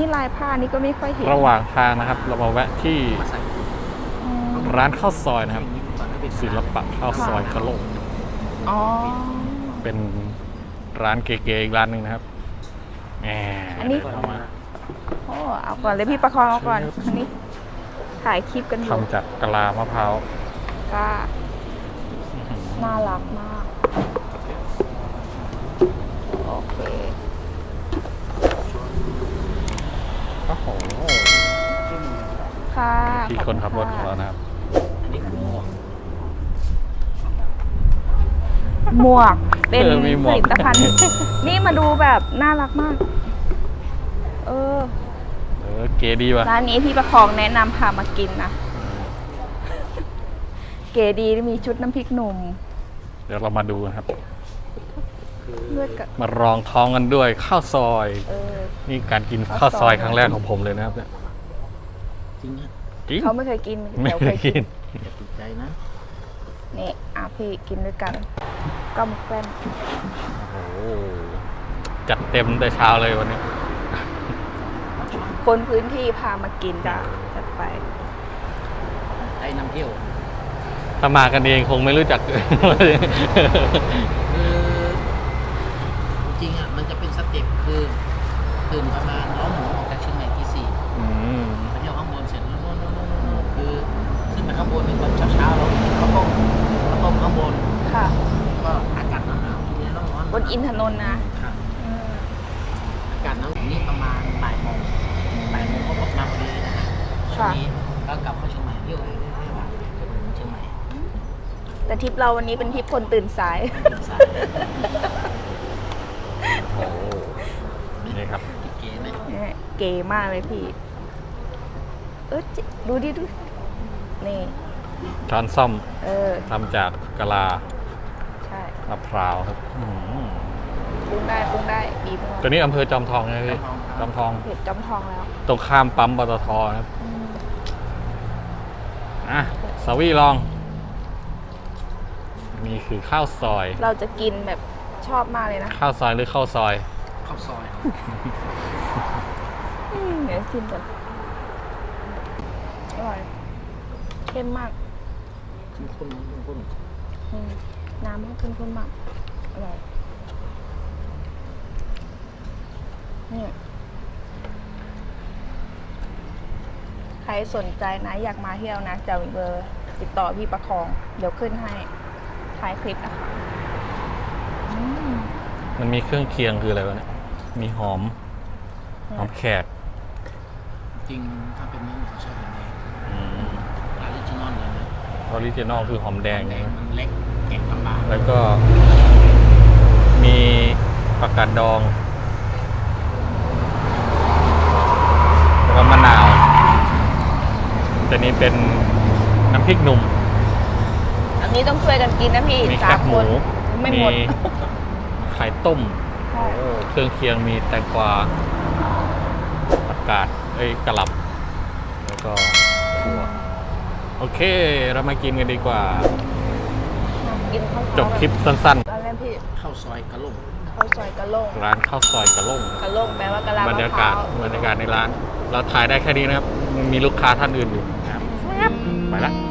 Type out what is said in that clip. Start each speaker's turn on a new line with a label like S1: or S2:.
S1: ลายผ้านี่ก็ไม่ค่อยเห็น
S2: ระหว่างทางนะครับ เรามาแวะที่ร้านข้าวซอยนะครับศิลปะข้าวซอยกะโหลก
S1: อ๋อ
S2: เป็นร้านเก๋ๆอีกร้านหนึ่งนะครับแหม
S1: อันนี้
S2: เอามา
S1: โอ้เอาก่อนเลยพี่ประคองเอาก่อนอันนี้ถ่ายคลิปกันอยู่
S2: ทำจากกะลามะพร้าว
S1: ก็น่ารักมากโอเค
S2: โอ้โห
S1: ค่ะ
S2: ที่คนขับรถของเรานะครับ
S1: หมวกเป็น
S2: มีหม
S1: ผ
S2: วก
S1: ลิตภัณฑ์ นี่มาดูแบบน่ารักมาก
S2: เก๋ดีว่ะ
S1: ร้านนี้พี่ประคองแนะนำพามากินนะ เก๋ดีมีชุดน้ำพริกหนุ่ม
S2: เดี๋ยวเรามาดูนะครับ
S1: เลือดกับ
S2: มารองท้องกันด้วยข้าวซอย นี่การกินข้าวซอยครั้งแรกของผมเลยนะครับเนี่ย
S3: จริงฮะ
S2: จริง
S1: เขาไม่เคยกิน
S2: ไม่
S1: ดี๋ว
S2: เคยกิน
S3: อย่าติดใจนะ
S1: นี่พี่กินด้วยกันก้มแป้น
S2: โอ้โหจัดเต็มแต่เช้าเลยวันนี้
S1: คนพื้นที่พามากินจ้ะจัดไป
S3: ไอ้นำเที่ยว
S2: ถ้ามากันเองคงไม่รู้จัก
S3: คือจริงๆอ่ะมันจะเป็นสเต็ปคือตื่นประมาณน้องหมูออกจากเชียงใหม่ที่ 4
S2: อืม
S3: ไปเที่ยวข้างบนเสร็จแล้วคือขึ้นไปข้างบนในตอนเช้าๆเรากินข้าวต้มข้างบน
S1: ค่ะ
S3: ก็อากาศหนาวๆทีนี้ร้อนๆ
S1: บนอินทนนท์นะครับ
S3: อากาศหนาวนี่ประมาณบ่ายโมงก็หมดมาพอดีนะฮะช่วงนี้ก็กลับเข้าเชียงใหม่เที่ยวเลยไม่ว่าจะถึงเชียงใหม่
S1: แต่ทริปเราวันนี้เป็นทริปคนตื่นสาย
S3: สาย
S2: โอ้นี่ครับ
S3: เก๋ไหม
S1: เนี่ยเก๋มากเลยพี่ ดูดิดู นี่
S2: ช้อนซ่อม ทำจากกะลา
S1: ใช่
S2: มะพร้าวครับ
S1: ปรุงได้ดีมาก
S2: ตัวนี้อำเภอจอมทองไงพี่จอมทอง
S1: เผ็ดจอมทองแล้ว
S2: ตรงข้ามปั๊มปตทนะครับสาวีลอง นี่คือข้าวซอย
S1: เราจะกินแบบชอบมากเลยนะ
S2: ข้าวซอยหรือข้าวซอย
S3: ข้าวซอย
S1: เดี๋ยวชิมก่อนอร่อยเข้มมาก
S3: ข้น
S1: น้ำมันเข้มมากอร่อยนี่ใครสนใจนะอยากมาเที่ยวนะจะมีเบอร์ติดต่อพี่ประคอง เดี๋ยวขึ้นให้ท้ายคลิปนะคะ
S2: มันมีเครื่องเคียงคืออะไรวะเนี่ย มีหอมแขก
S3: จริงถ้าเป็นนี้เขาใช้หอมแดงออริจินอลเลยนะ
S2: ออริจินอลคือหอมแดง
S3: แด
S2: ไง
S3: งมันเล็กแกะลำบาก
S2: แล้วก็มีผักกาดดอง แล้วก็มะนาว แต่นี้เป็นน้ำพริกหนุ่ม
S1: อันนี้ต้องช่วยกันกินนะพี่
S2: มีแค
S1: สา
S2: บ
S1: ม
S2: ห
S1: ค
S2: มู
S1: นไม่หมด
S2: ไข่ต้ม
S1: ใช่
S2: โอ้เครื่องเคียงมีแตงกวาผักกาดกะหล่ำแล้วก็ถั่วโอเค เรามากินกันดีกว่า
S1: กินข้าว
S2: จบคลิปสั้น
S1: ตอนแรกพี่
S3: ข้าวซอยกะหล่ำ
S1: ข้าวซอยกะโหลง
S2: ๆ ร้านข้าวซอยกะล่ง
S1: กะโหลงแปลว่ากะลา
S2: บร
S1: มะ
S2: รยา
S1: พร้าก
S2: าศ
S1: ว
S2: ในร้าน เราถ่ายได้แค่นี้นะครับ มีลูกค้าท่านอื่นอยู่นะครับไปละ